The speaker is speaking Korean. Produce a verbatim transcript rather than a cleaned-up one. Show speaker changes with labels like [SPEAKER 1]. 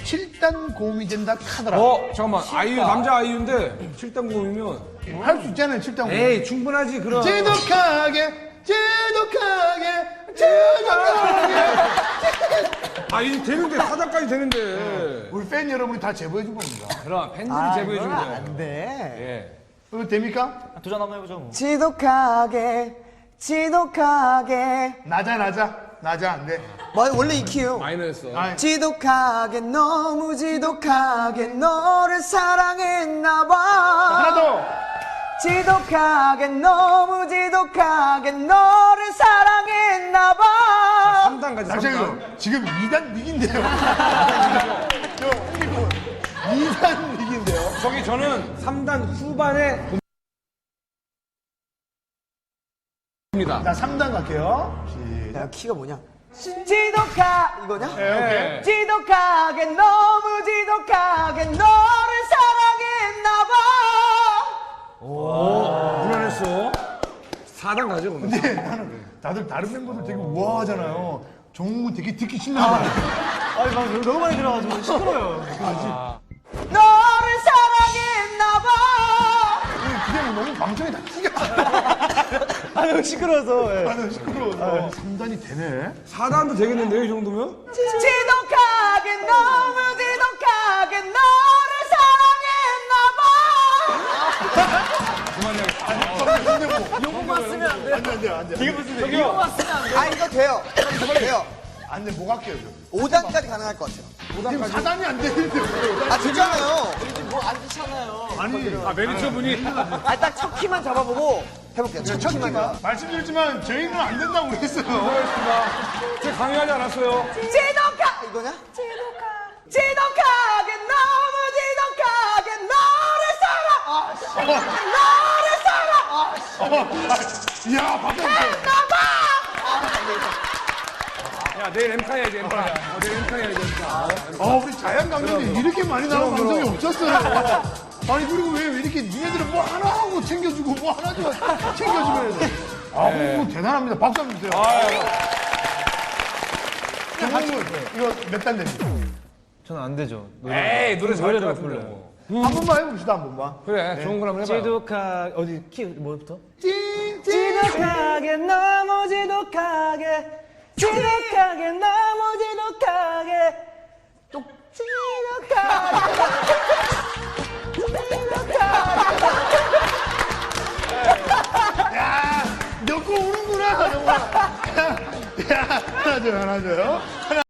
[SPEAKER 1] 칠 단 고음이 된다 카더라.
[SPEAKER 2] 어, 잠깐만. 아이유, 남자 아이유인데 칠 단 고음이면.
[SPEAKER 1] 할 수 있잖아요, 칠 단 고음.
[SPEAKER 2] 에이, 충분하지, 그럼.
[SPEAKER 1] 지독하게, 지독하게, 지독하게.
[SPEAKER 2] 아, 이제 되는데, 사 단까지 되는데.
[SPEAKER 1] 우리 팬 여러분이 다 제보해준 겁니다.
[SPEAKER 2] 그럼, 팬들이 제보해준 거예요.
[SPEAKER 3] 안 돼.
[SPEAKER 2] 예.
[SPEAKER 1] 이거 됩니까?
[SPEAKER 4] 도전 한번 해보죠 뭐.
[SPEAKER 3] 지독하게, 지독하게.
[SPEAKER 1] 낮아, 낮아. 낮아, 안 돼.
[SPEAKER 3] 뭐, 원래 이 키요.
[SPEAKER 2] 마이너였어.
[SPEAKER 1] 아니,
[SPEAKER 3] 지독하게, 너무 지독하게 너를 사랑했나봐.
[SPEAKER 1] 하나 더.
[SPEAKER 3] 지독하게, 너무 지독하게 너를 사랑했나봐.
[SPEAKER 2] 삼 단까지, 삼 단.
[SPEAKER 1] 잠시만요. 지금 이 단 닉인데요. 저, 이거 이 단 닉인데요.
[SPEAKER 2] 저기 저는 삼 단 후반에 입니다.
[SPEAKER 1] 자, 삼 단 갈게요. 시작.
[SPEAKER 3] 야, 키가 뭐냐? 지독하 이거냐?
[SPEAKER 1] 네, 오케이.
[SPEAKER 3] 지독하게, 너무 지독하게 너를 사랑했나봐.
[SPEAKER 2] 무난했어. 사 단 가죠, 그러면.
[SPEAKER 1] 근데 나는 다들 다른 멤버들 되게 우아하잖아요. 정우 되게 듣기 싫나 봐요.
[SPEAKER 4] 아니 막 너무 많이 들어가지고 시끄러워요.
[SPEAKER 3] 너를 사랑했나봐.
[SPEAKER 1] 그게 뭐 너무 방송에 다 티가 나.
[SPEAKER 4] 아 너무 시끄러워서. 예.
[SPEAKER 1] 나는 시끄러워서. 삼 단이 되네.
[SPEAKER 2] 사 단도 되겠는데요, 이 정도면?
[SPEAKER 3] 지독하게, 너무 지독하게 너를 사랑했나봐.
[SPEAKER 1] 근데 뭐. 이거 쓰면 안 돼. 안 돼, 안 돼, 안 돼. 이거 쓰면
[SPEAKER 2] 저기요.
[SPEAKER 3] 아, 이거 돼요. 돼요.
[SPEAKER 1] 안 돼, 뭐 갈게요, 저.
[SPEAKER 3] 오 단까지 가능할 것 같아요.
[SPEAKER 1] 지금 사 단이 안 되는데. 왜.
[SPEAKER 3] 아, 되잖아요.
[SPEAKER 1] 아니,
[SPEAKER 2] 아, 매니저 분이.
[SPEAKER 3] 아, 딱 첫 키만 잡아보고 해볼게요. 첫,
[SPEAKER 1] 첫
[SPEAKER 3] 키만.
[SPEAKER 1] 키가 말씀드렸지만 저희는 안 된다고 그랬어요.
[SPEAKER 2] 제가 강요하지 않았어요.
[SPEAKER 3] 지독하 이거냐? 지독하 지독하게, 너무 지독하게 너를 사랑. 너를 사랑.
[SPEAKER 1] 이야, 박수.
[SPEAKER 2] 야, 내일 엠카 해야지, 엠카. 어, 내일 엠카 해야지, 엠카.
[SPEAKER 1] 아, 우리 자연 강연이 이렇게 많이 나온 방송이 없었어요. 아니, 그리고 왜, 왜 이렇게 니네들은 뭐 하나 하고 챙겨주고 뭐 하나 좀 챙겨주면 해야 아, 네. 대단합니다. 박수 한번 주세요. 정말 이거 몇 단 됩니까?
[SPEAKER 4] 저는 안 되죠.
[SPEAKER 2] 에이, 노래 잘할 것 같은데.
[SPEAKER 1] 한 번만 해봅시다, 한 번만.
[SPEAKER 2] 그래, 좋은 걸 한번 해봐요.
[SPEAKER 4] 지독하 어디 키 뭐부터?
[SPEAKER 1] 찡찡.
[SPEAKER 4] 지독하게 너무 지독하게 지독하게 너무 지독하게 또 지독하게
[SPEAKER 1] 야, 넣고 우는구나, 정말. 야, 하나 줘요, 하나 줘요. 하나.